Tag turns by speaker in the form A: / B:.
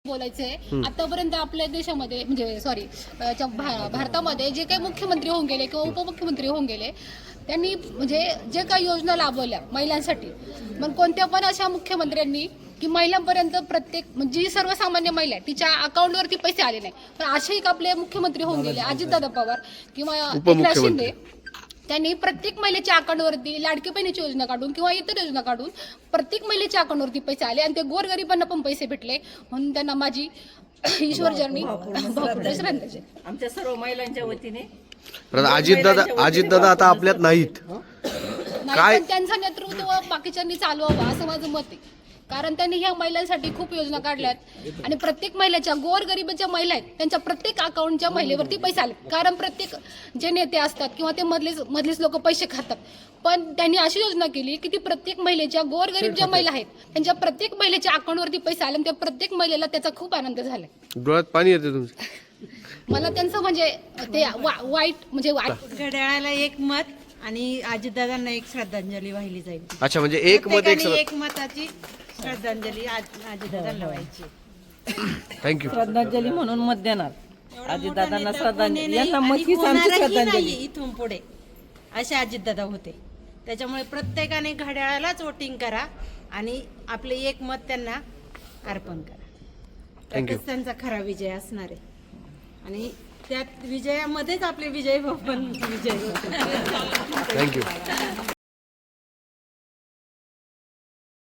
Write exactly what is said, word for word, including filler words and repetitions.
A: बोलायचंय आतापर्यंत आपल्या देशामध्ये म्हणजे सॉरी भारतामध्ये जे काही मुख्यमंत्री होऊन गेले किंवा उपमुख्यमंत्री होऊन गेले त्यांनी म्हणजे जे काही योजना राबवल्या महिलांसाठी, पण कोणत्या पण अशा मुख्यमंत्र्यांनी की महिलांपर्यंत प्रत्येक म्हणजे सर्वसामान्य महिला तिच्या अकाउंटवरती पैसे आले नाही. पण असे एक आपले मुख्यमंत्री होऊन गेले अजितदादा पवार किंवा एकनाथ शिंदे, त्यांनी प्रत्येक महिलेच्या अकाउंटवरती लाडकी बहिणीची योजना काढून किंवा इतर योजना काढून प्रत्येक महिलेच्या अकाउंटवरती पैसे आले आणि ते गोरगरिबांना पण पैसे भेटले. म्हणून त्यांना माझी ईश्वर जर्नी श्रद्धांजली
B: आमच्या सर्व महिलांच्या वतीने.
C: अजितदादा अजितदादा आता आपल्यात नाहीत,
A: काय त्यांचं नेतृत्व बाकीच्यांनी चालवावं असं माझं मत आहे. कारण त्यांनी ह्या महिलांसाठी खूप योजना काढल्यात आणि प्रत्येक महिलेच्या गोरगरिबाच्या महिला आहेत त्यांच्या प्रत्येक अकाउंटच्या महिलेवरती पैसे आले. कारण प्रत्येक जे नेते असतात किंवा ते मधलेच मधलेच लोक पैसे खातात, पण त्यांनी अशी योजना केली की ती प्रत्येक महिलेच्या गोरगरीब ज्या महिला आहेत त्यांच्या प्रत्येक महिलेच्या अकाउंटवरती पैसे आले आणि त्या प्रत्येक महिलेला त्याचा खूप आनंद झाला.
C: डोळ्यात पाणी येते तुमचं.
A: मला त्यांचं म्हणजे ते वाईट म्हणजे
B: घड्याळाला एक मत आणि अजितदादांना एक श्रद्धांजली वाहिली जाईल.
C: अच्छा, म्हणजे एक मत एक
B: एक मताची श्रद्धांजली अजितदादांना व्हायची.
C: थँक्यू.
D: श्रद्धांजली म्हणून मत देणार अजितदादांना श्रद्धांजली. यांना मत हीच आमची श्रद्धांजली.
B: इथून पुढे असे अजितदादा होते, त्याच्यामुळे प्रत्येकाने घड्याळालाच वोटिंग करा आणि आपले एक मत त्यांना अर्पण करा. त्यातच त्यांचा खरा विजय असणार आहे आणि त्यात विजयामध्येच आपले विजय पण विजय होते.
C: थँक्यू.